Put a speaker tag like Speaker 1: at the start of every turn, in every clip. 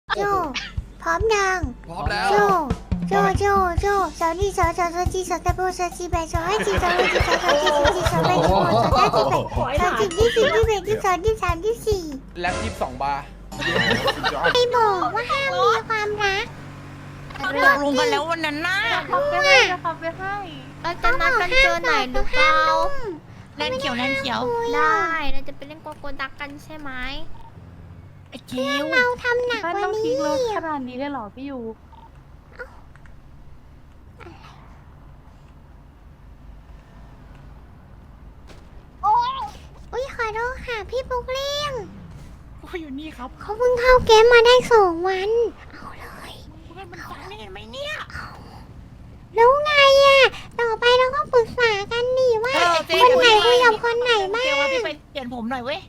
Speaker 1: โจพร้อมยัง
Speaker 2: พร้อมแล้ว
Speaker 1: โจสาวนี่สาวจีสาวตะโบสาวจีแบสาวให้จีสาวให้จีสาวจีสาวแบสาวสาวจีแบสาวจีที่สี่ที่แบที่สองที่สามที่สี่
Speaker 2: แล็บ22 บาร์
Speaker 1: ไม่บอกว่าห้ามมีความรัก
Speaker 3: ตกลงกันแล้ววันนั้นน่ะ
Speaker 4: เราจะนัดกันเจอไหนหรือเปล่า
Speaker 3: แลนเขียวแลนเขียว
Speaker 4: ได้เราจะไปเล่นโกโกดักกันใช่ไหม
Speaker 3: ไอ้คิว
Speaker 1: เราทำหนัก
Speaker 5: ไม่
Speaker 1: กว่า
Speaker 5: ต้องทิ้
Speaker 1: นี้
Speaker 5: งรถขนาดนี้เลยเหรอพี่ยู
Speaker 1: อุ้ยขอโทษค่ะพี่ปุ๊กเลี้ยง
Speaker 3: โอ้ยอยู่นี่ครับ
Speaker 1: เขาเพิ่งเข้าเกมมาได้2 วัน เอาเลย
Speaker 3: เพื่อนมันฟังได้เห็นไหมเนี่ย
Speaker 1: แล้วไงอ่ะต่อไปเราก็ปรึกษากันนี่ว่าคนไหนคุยกับคนไหนบ้าง
Speaker 3: เกลว่าพี่ไปเปลี่ยนผมหน่อยเว้ย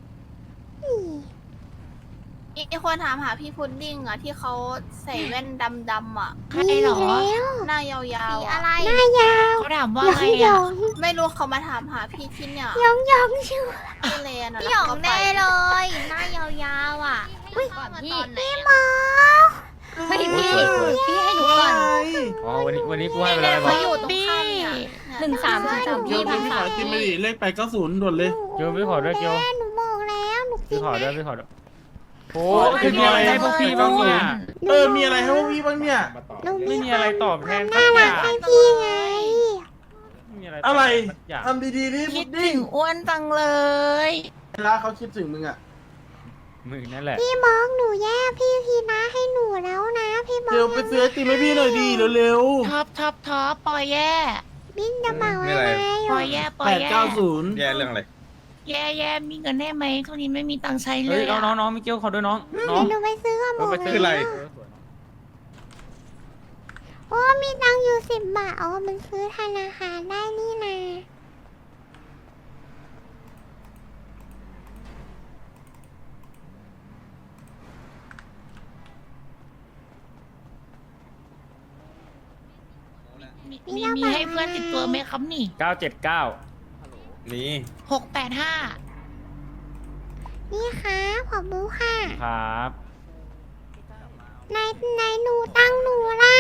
Speaker 4: อีกคนถามหาพี่พุดดิ้งอ่ะที่เขาใส่แว่นดำๆอ่ะ
Speaker 3: ใครเหรอ
Speaker 1: แล้ว
Speaker 4: หน้ายาวๆอะไร
Speaker 1: หน้ายาว
Speaker 3: เขาถามว่า
Speaker 1: หยอ
Speaker 3: ไง
Speaker 1: งหย
Speaker 3: อ่ะ
Speaker 1: อง
Speaker 4: ไม่รู้เขามาถามหาพี่ที่เนี่ย
Speaker 1: หยองหยองชื่อ
Speaker 4: พี่เลนอ่ะ
Speaker 6: พี่หยองแน่เลย หน้ายาวๆอ่ะ
Speaker 1: อุ้ย
Speaker 6: ก่อนพี่
Speaker 1: พี่หมอ
Speaker 6: ไม่พี่พี่ให้หนูก่อน
Speaker 7: อ๋อวันนี้กูให้ไป
Speaker 4: เล
Speaker 7: แล้ว
Speaker 4: น
Speaker 7: บอ
Speaker 4: เขา
Speaker 7: ก
Speaker 4: อยู่ตรงข้ามเนี่ย
Speaker 6: 13
Speaker 8: เกียวพี่ขอจิ้มไปดิเลข890ด่วนเลย
Speaker 7: เกียวพี่ขอด้วยเกียว
Speaker 1: หนูบอกแล้วหนู
Speaker 7: พี่ขอด้วยพี่ขอด้วยโอ้
Speaker 8: คือมีอะไรให้พวกพี่บ้างเนี่ย มีอะไรให้พวกพี่บ้างเนี่ย
Speaker 1: หนู
Speaker 7: ไม่มีอะไรตอบแทนสั
Speaker 1: น่าก
Speaker 7: อ
Speaker 1: รัก
Speaker 7: ย่าง
Speaker 1: ให้พี่ไง
Speaker 7: ไม่มีอะไร
Speaker 8: อะไร
Speaker 7: สักอย่าง
Speaker 8: ทำดีๆนี่
Speaker 3: คิ
Speaker 8: พุ
Speaker 3: ด
Speaker 8: ด
Speaker 3: ถึ
Speaker 8: ดิ้ง
Speaker 3: งอ้วนจังเลย
Speaker 8: เวลาเขาคิดถึงมึงอ่ะ
Speaker 7: มึงนั่นแหละ
Speaker 1: พี่บอกหนูแย่พี่พีนะให้หนูแล้วนะพี่บอก
Speaker 8: เดี๋ยวไปซื้อไอติมให้พี่หน่อยดีเร็ว
Speaker 3: ท็อปปล่อยแย่
Speaker 1: บิ๊กจะบอกอะไร
Speaker 3: ปล่อยแย่
Speaker 8: ๆ
Speaker 3: ปล่อยแย่
Speaker 8: 890
Speaker 9: แย่เรื่องอะไร
Speaker 3: แย่มีเงินได้ไหมทุกนี้ไม่มีตังค์ใช้เล
Speaker 7: เฮ้ย
Speaker 3: ยอะ
Speaker 7: น้องไม่เกี่ยวขอด้วยน้อง
Speaker 1: หนูไปซื้อกับหม
Speaker 7: ไป
Speaker 1: ด
Speaker 7: ซื้อ
Speaker 9: อะไร
Speaker 1: โอ้มีตังค์อยู่10 บาทอ๋อมันซื้อธนาคารได้นี่นะ
Speaker 3: มีให้เพื่อนติดตัวไหมครับนี่
Speaker 7: 979
Speaker 9: นี่
Speaker 3: 685
Speaker 1: นี่ค่ะขอบคุณค่ะ
Speaker 7: ครับ
Speaker 1: นายหนูตังค์หนูล่ะ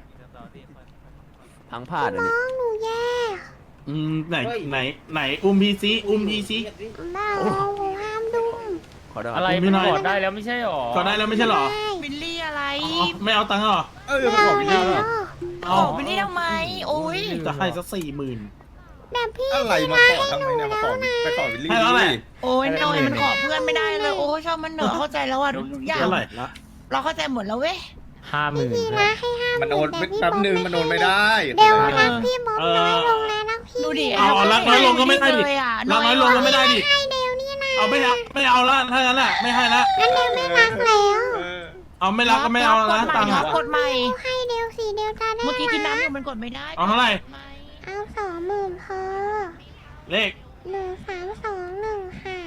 Speaker 9: พังพลาดอัน
Speaker 1: น้
Speaker 9: นี้
Speaker 1: องหนูแย่
Speaker 8: ไหนอุ้มพี่ซิอุ้มพี่ซิ
Speaker 1: บ้าหนูห้ามดุม
Speaker 9: ขอได้
Speaker 7: อะไร
Speaker 8: ไม่
Speaker 7: มัน
Speaker 8: น้อย
Speaker 7: กดได้แล้วไม่ใช่หรอ
Speaker 8: ก็ได้แล้วไม่ใช่เหรอ
Speaker 3: วิลลี่อะไร
Speaker 8: อ๋อไม่เอาตังค์เหรอ
Speaker 9: เออมาขอวิลลี่
Speaker 1: แล้ว
Speaker 3: ขอวิลลี่ทำไม โอ้ย
Speaker 8: จะให้สัก40,000
Speaker 1: แต่พี่
Speaker 9: อะไรมาขอทำไมเนี่ยมาขอไปขอวิลลี่
Speaker 8: ให้แล้วแหละ
Speaker 3: โอ้ยหน่อยมันขอเพื่อนไม่ได้เลย โอ้ยชอบมันเหนอะเข้าใจแล้วอ่ะทุกอย่าง
Speaker 8: เท่าไหร่ละ
Speaker 3: เราเข้าใจหมดแล้วเว้ย
Speaker 7: 50,000
Speaker 1: พี่นะให้ห้าม
Speaker 9: มันโอนแป๊บนึงมันโอนไม่ได้
Speaker 1: เดี๋ยวรักพี่บอมน้อยลงแล้วนะพี่
Speaker 3: ดูดิ
Speaker 8: เอารักน้อยลงก็ไม่ได้ดิ
Speaker 3: เลยอะ
Speaker 8: รักน้อยลงก็ไม่ได้ดิ
Speaker 1: ให้เดวนี่นะ
Speaker 8: เอาไม่เอาละถ้างั้นแหละไม่ให้ละ
Speaker 1: งั้นเดวไม่รักแล้ว
Speaker 8: เอาไม่รักก็ไม่เอาละตังค์
Speaker 3: ครั
Speaker 8: อ่ะ
Speaker 3: บกดใหม่
Speaker 1: ให้เดวสิเดวจะได้
Speaker 3: เมื่อกี้กิน
Speaker 1: รั
Speaker 3: น้ำอยู่มันกดไม่ได้
Speaker 8: เอาเท่าไหร่
Speaker 1: เอา20,000พอ
Speaker 8: เลข
Speaker 1: 1321ค่ะ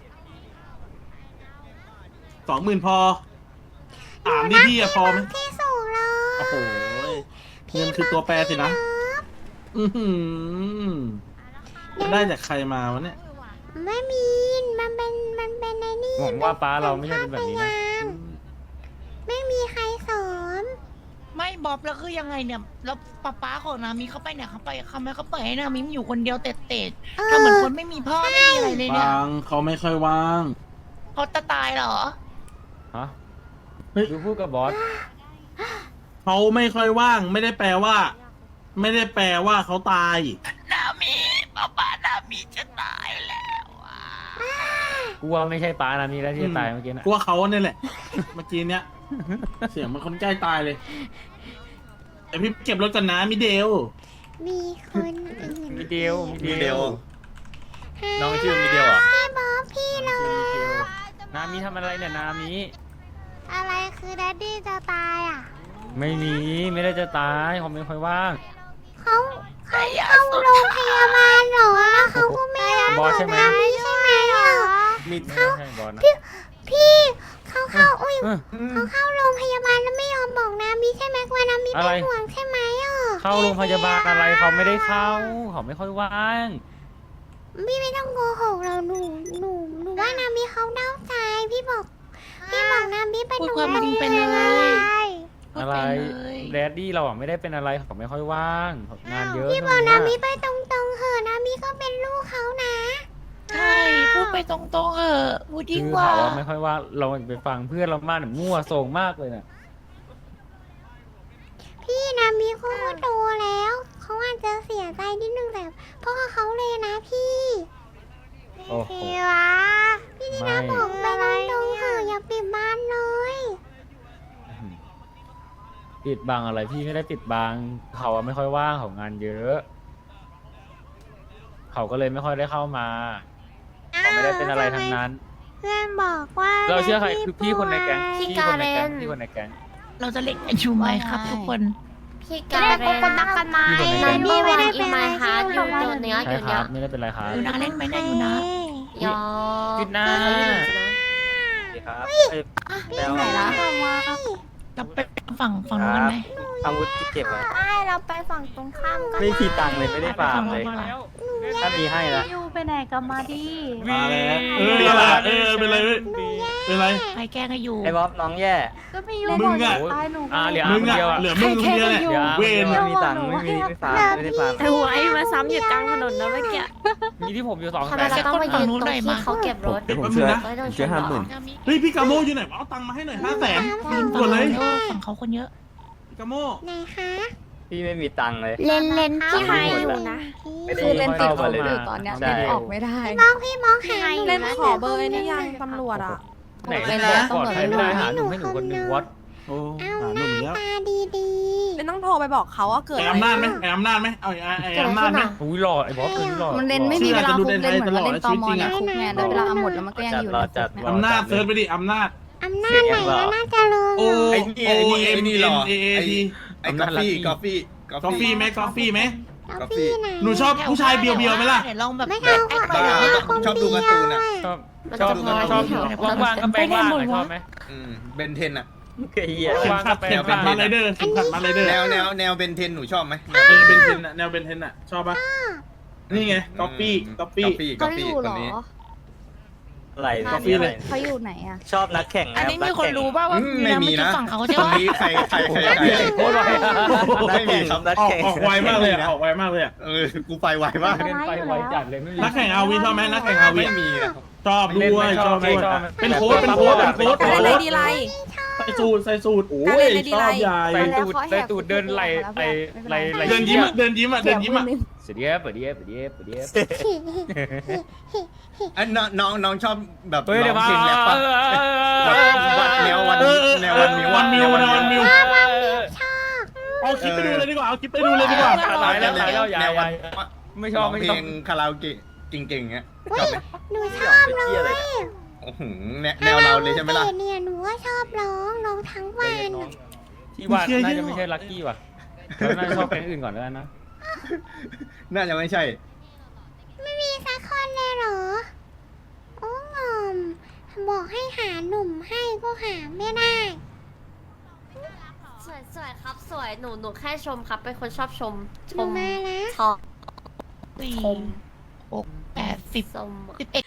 Speaker 8: 20,000พอถามดิพี่อะพอไหม
Speaker 1: ที่สูงเลย
Speaker 8: โอ้โหเงินคือตัวแปรสินะอือหือจะได้จากใครมาวะเนี่ย
Speaker 1: ไม่มีมันเป็นไอ้นี่
Speaker 7: หวังว่าป้าเราไม่ใช่เป็นแบบนี้นะ
Speaker 1: ไม่มีใครสอน
Speaker 3: ไม่บ๊อบแล้วคือยังไงเนี่ย แล้วป๊าของนามิเขาไปเนี่ยเขาไปเขาไม่เขาเปิดให้นามิอยู่คนเดียวเตะๆทำเหมือนคนไม่มีพ่อไม่มีอะไรเลยเนี่ย
Speaker 8: บางเขาไม่ค่อยว่าง
Speaker 3: เขาจะตายเหรอ
Speaker 7: ฮะ
Speaker 8: เฮ้ย
Speaker 7: ดูพูดกับบอส
Speaker 8: เขาไม่ค่อยว่าง ไม่ได้แปลว่า ไม่ได้แปลว่าเขาตาย
Speaker 3: นามิป๊านามิจะตายแล้วอ่ะ
Speaker 7: กูว่าไม่ใช่ป้านะมีแล้วที่จะตายเมื่อกี้นะ
Speaker 8: กลัวเขาเนี่ยแหละ เมื่อกี้เนี้ย เสียงมันคนใกล้ตายเลยแต่พี่เก็บรถกันนะมิเดล
Speaker 1: มีคนอื่น
Speaker 7: มีเดียว
Speaker 9: มีเดียว
Speaker 1: ให้
Speaker 9: น้องชื่อมีเดียวอ่ะ
Speaker 1: พี่บอสพี่เลย
Speaker 7: นามีทำอะไรเนี่ยนามี
Speaker 1: อะไรคือแดดดี้จะตายอ่ะ
Speaker 7: ไม่มีไม่ได้จะตายเขาไม่ค่อยว่าง
Speaker 1: เขาเข้าโรงพยาบาลเหรอแล้วเขาก็ไม่รับบ
Speaker 7: อสใช่ไหม
Speaker 1: ใช่ไหมอ่ะ
Speaker 7: ไม่ใช่บอสนะ
Speaker 1: พี่เขาเข้าอุ้ย
Speaker 7: เออ
Speaker 1: เขาเข้าโรงพยาบาลแล้วไม่ยอมบอกนามิใช่ไหมว่านามิ
Speaker 7: อะไร
Speaker 1: เป็นห่วงใช่ไหมอ่ะ
Speaker 7: เข้าโรงพยาบาลอะไรเขาไม่ได้เข้าเขาไม่ค่อยว่าง
Speaker 1: พี่ไม่ต้องโกหกเราหนูว่านามิเขาเน่าใจพี่บอกนามิเป็น
Speaker 3: พูด
Speaker 1: หนู
Speaker 3: ความจริงไปเล
Speaker 1: ได้
Speaker 3: ย
Speaker 7: แรดดี้เราอ่ะไม่ได้เป็นอะไรเขาไม่ค่อยว่างงานเยอะ
Speaker 1: พี่บอกนามิไปตรงๆเหอะนามิก็เป็นลูกเขานะ
Speaker 3: ใช่พูดไปตรงๆเออพูดดี
Speaker 7: คือก
Speaker 3: ว่า
Speaker 7: เขาอะไม่ค่อยว่าเราไปฟังเพื่อนเรามากเนี่ยมั่วโส่งมากเลยน่ะ
Speaker 1: พี่นามิเขาก็โตแล้วเขาอาจจะเสียใจนิดนึงแต่พ่อเขาเลยนะพี่
Speaker 7: โอ้โห
Speaker 1: พี่วะพี่นี่นะ
Speaker 7: ไม่
Speaker 1: บอกไปตรงๆเหอะอย่าปิดบ้านเลย
Speaker 7: ปิดบังอะไรพี่ไม่ได้ปิดบังเขาอะไม่ค่อยว่างเขางานเยอะ เขาก็เลยไม่ค่อยได้เข้ามาเขาไม่ได้เป็นอะไรทั้งนั้น
Speaker 1: เพื่อนบอกว่า
Speaker 7: เราเชื่อใครคือพี่คนในแก๊ง
Speaker 6: พี่
Speaker 7: พี่คนในแก๊ง
Speaker 6: การเรน
Speaker 7: พี่คนในแก๊ง
Speaker 3: เราจะเล่นกันอยู่ไหมครับทุกคน
Speaker 6: พี่
Speaker 4: จะ
Speaker 6: กา
Speaker 4: ได้
Speaker 6: เร
Speaker 4: พบ
Speaker 6: น
Speaker 4: กันรักกันไหม
Speaker 7: พี่คนใน
Speaker 6: นั
Speaker 7: แก๊
Speaker 6: น
Speaker 7: ง
Speaker 6: นี่วันอีมาฮาร์ดอยู่จุดเนี้ย
Speaker 7: ใช่
Speaker 6: จุด
Speaker 7: ค
Speaker 6: เนี้
Speaker 7: รั
Speaker 6: ย
Speaker 7: บไม่ได้เป็นไรครับ
Speaker 3: อยู่นะเล่นไหมนะอยู่นะ
Speaker 6: ยอ
Speaker 7: จุดหน้า
Speaker 2: ครับ
Speaker 6: ไปไหนละ
Speaker 3: เราไปฝั่งนู้นกันไหม
Speaker 2: อาวุธที่เก็บไว้
Speaker 4: ใช่เราไปฝั่งตรงข้ามกัน
Speaker 2: ไม่มีตังค์เลยไม่ได้ฟาร์มเลย
Speaker 3: ไปฝั่งนู้นมา
Speaker 2: ถ้ามีให้ละ
Speaker 5: พี่ยูไปไหนกันมาดิ
Speaker 8: มาแล้วเป็นไรเป็นไรเป็นไร
Speaker 3: ไปแกล้งให้อยู่
Speaker 2: ไอ้บ๊อบน้องแย่
Speaker 5: ก็พี่ยู
Speaker 8: มึ
Speaker 5: บอง ก
Speaker 8: อะ
Speaker 5: ตายหนู
Speaker 7: เหลือ
Speaker 8: มึง
Speaker 7: คน
Speaker 8: อะ
Speaker 7: เดียวอะ
Speaker 8: เหลือมึงคนเดียวแหละ
Speaker 7: เดี๋ยว
Speaker 8: เวน
Speaker 2: ไม่มีตังค์ไม่ฟาร์มไม่ได้ฟาร์ม
Speaker 6: แต่หัวไอ้มาซ้ำอยู่กลางถนนนะเมื่อกี้
Speaker 7: มีที่ผมอยู่2
Speaker 6: ทำ
Speaker 7: แส
Speaker 6: ไม
Speaker 7: น
Speaker 6: เราต้องมายืนตรงที่เขาเก็บรถ
Speaker 8: เดี๋ยวผมเชื่อ
Speaker 6: ไม่ต้องช่วยหรอ
Speaker 8: เฮ้ยพี่กาโมอยู่ไหนเอาตังค์มาให้หน่อย500,000
Speaker 3: ยืน
Speaker 8: ด่วนเลย
Speaker 3: ฝั่งเขาคนเยอะ
Speaker 8: พี่กาโม
Speaker 1: ไหนคะ
Speaker 2: พี่ไม่มีตังค์เลย
Speaker 6: เลนพี่ไฮอยู่นะ
Speaker 2: ไม่ได้
Speaker 7: คือเล่นติด
Speaker 2: เข้ามาเลย
Speaker 7: ตอนเนี้ย
Speaker 2: ใช่
Speaker 1: พี่มองหา
Speaker 6: เล่นขอเบอร์นี่ยังตำรวจ
Speaker 5: อ่ะ
Speaker 7: ไหนบอกปลอดภัยไม่ได้หาหนุ่มให้หนูคนหนึ่งวัด
Speaker 8: โอ้
Speaker 1: เอา
Speaker 8: หา
Speaker 1: ห
Speaker 8: หนุ่มอีก
Speaker 1: น้า
Speaker 8: แล้ว
Speaker 1: ตาดี
Speaker 5: ไม่ต้องโทรไปบอกเขาว่าเกิด
Speaker 8: ไอ้
Speaker 5: อะไร
Speaker 8: อำนาจไหมไอ้อำนาจไหมเอาไอ้อำนาจไหม
Speaker 7: อุ้ยหล่อไอ้บอสคนนี้หล่อ
Speaker 10: มันเล่นไม่มีเวลาคุกเล่นเหมือนว่าเล่นตอมอในคุกไงแล้วเวลาหมดแล้วมันก็ยังอยู่ในคุกเนี่ย
Speaker 8: อำนาจเซิร์ชไปดิอำนาจ
Speaker 1: ๆอำนาจไหนอำนาจเจริญ
Speaker 8: โอ
Speaker 9: ไอ้
Speaker 8: โอ
Speaker 9: นี่ไอ้
Speaker 8: เอ็ม
Speaker 9: นี่
Speaker 8: เอ็
Speaker 9: หรอ
Speaker 8: มเอเอที
Speaker 9: ไอ้กาแฟกาแฟ
Speaker 8: กาแฟไหมกาแฟไหม
Speaker 1: แล้วพี่ไหน
Speaker 8: หนูชอบผู้ชายเบียวๆไหมล่ะ
Speaker 3: เดี๋ยวลองแบบ
Speaker 1: ไม่เอาค่ะ
Speaker 3: แอคหน่อย
Speaker 1: ไม่
Speaker 3: นะ
Speaker 1: เอาคน
Speaker 9: ชอบดูการ์ตูนอ่ะ
Speaker 7: ชอบว่างๆก็แปลงร่างหน่อยชอบไหม
Speaker 9: เบนเทนอ่ะ
Speaker 2: ไอ้เหี้ย
Speaker 7: ว่างๆก็แปล
Speaker 8: เข็
Speaker 7: ง
Speaker 8: มขั
Speaker 7: ร่า
Speaker 8: ด
Speaker 7: ง
Speaker 8: มาไรเดอร์เข็มขัดมาไรเดอร์
Speaker 9: แนวเบนเทนหนูชอบไหม
Speaker 8: เบนเทนอะแนวเบนเทนอะชอบปะนี่ไงก๊อปปี้ก๊อปปี้
Speaker 9: กาแฟคนนี้
Speaker 2: อะไร
Speaker 8: กาแฟเลย
Speaker 10: เขาอยู่ไหนอ่ะ
Speaker 2: ชอบนักแข่ง
Speaker 3: อันนี้มีคนรู้ป่าวว่า
Speaker 9: ไม่มีนะ
Speaker 3: ฝั่งเขาใช่
Speaker 9: คน
Speaker 3: ปะ
Speaker 9: นี้ใคร
Speaker 7: โคตรไว
Speaker 2: ไม่มีครับนัก
Speaker 8: ออก
Speaker 2: แข่ง
Speaker 8: ออกไวมากเลยอะออกไวมากเลยอะ
Speaker 9: กูไปไวมาก
Speaker 7: เล่นไปไวจัดเลยไม่มี
Speaker 8: นักแข่งอาวีชอบไหมนักแข่งอาวี
Speaker 9: ไม่มีนะ
Speaker 8: ชอบด้วยชอบด้วย
Speaker 7: ชอบ
Speaker 8: เป็นโค้ดเป็นโค้ดเป็นโค้ด
Speaker 5: อะไรดีไร
Speaker 8: ใส่สูตรใส่สูตรโอ้ยชอบใหญ่
Speaker 7: ใส่ตูดเดินไหลไหล
Speaker 8: เดินยิ้มอะเดินยิ้มอะเดินยิ้มอะ
Speaker 7: เสียเดียบเดียบเดียบเดียบ
Speaker 9: อันน้องชอบแบบ
Speaker 7: เฮ้ย
Speaker 9: ร้
Speaker 7: เดี๋
Speaker 9: อ
Speaker 7: ยว
Speaker 9: ง
Speaker 7: มา
Speaker 9: เพลงแรปปะแนววันมิว
Speaker 8: วันมิวเอาคลิปไปดูเลยดีกว่าเอาคลิปไปดูเลยดีกว่า
Speaker 7: ตายแล้วตายแล้วอย่า
Speaker 9: แนววัน
Speaker 7: ไม่ชอบไม่
Speaker 9: เพ
Speaker 7: ช
Speaker 9: ล
Speaker 7: อบ
Speaker 9: งคาราโอเกะเก่งๆเงี้ยชอบไหม
Speaker 1: หนูชอบร้อง
Speaker 9: โอ้โหแนวเราเลยใช่ไหมล่ะ
Speaker 1: เนี่ยหนูก็ชอบร้องทั้งวัน
Speaker 7: ที่ว่าน่าจะไม่ใช่ลัคกี้ว่ะเราน่าจะชอบแก๊งอื่นก่อนแล้วนะ
Speaker 9: น่าจะไม่ใช่
Speaker 1: ไม่มีสักคนเลยเหรอ โอ้งอม บอกให้หาหนุ่มให้ก็หาไม่ได้
Speaker 6: สวยครับสวยหนูแค่ชมครับเป็นคนชอบชม
Speaker 1: หนูมาแล้ว
Speaker 6: ชอบ
Speaker 3: 4 6 8 10
Speaker 6: ชม
Speaker 3: 11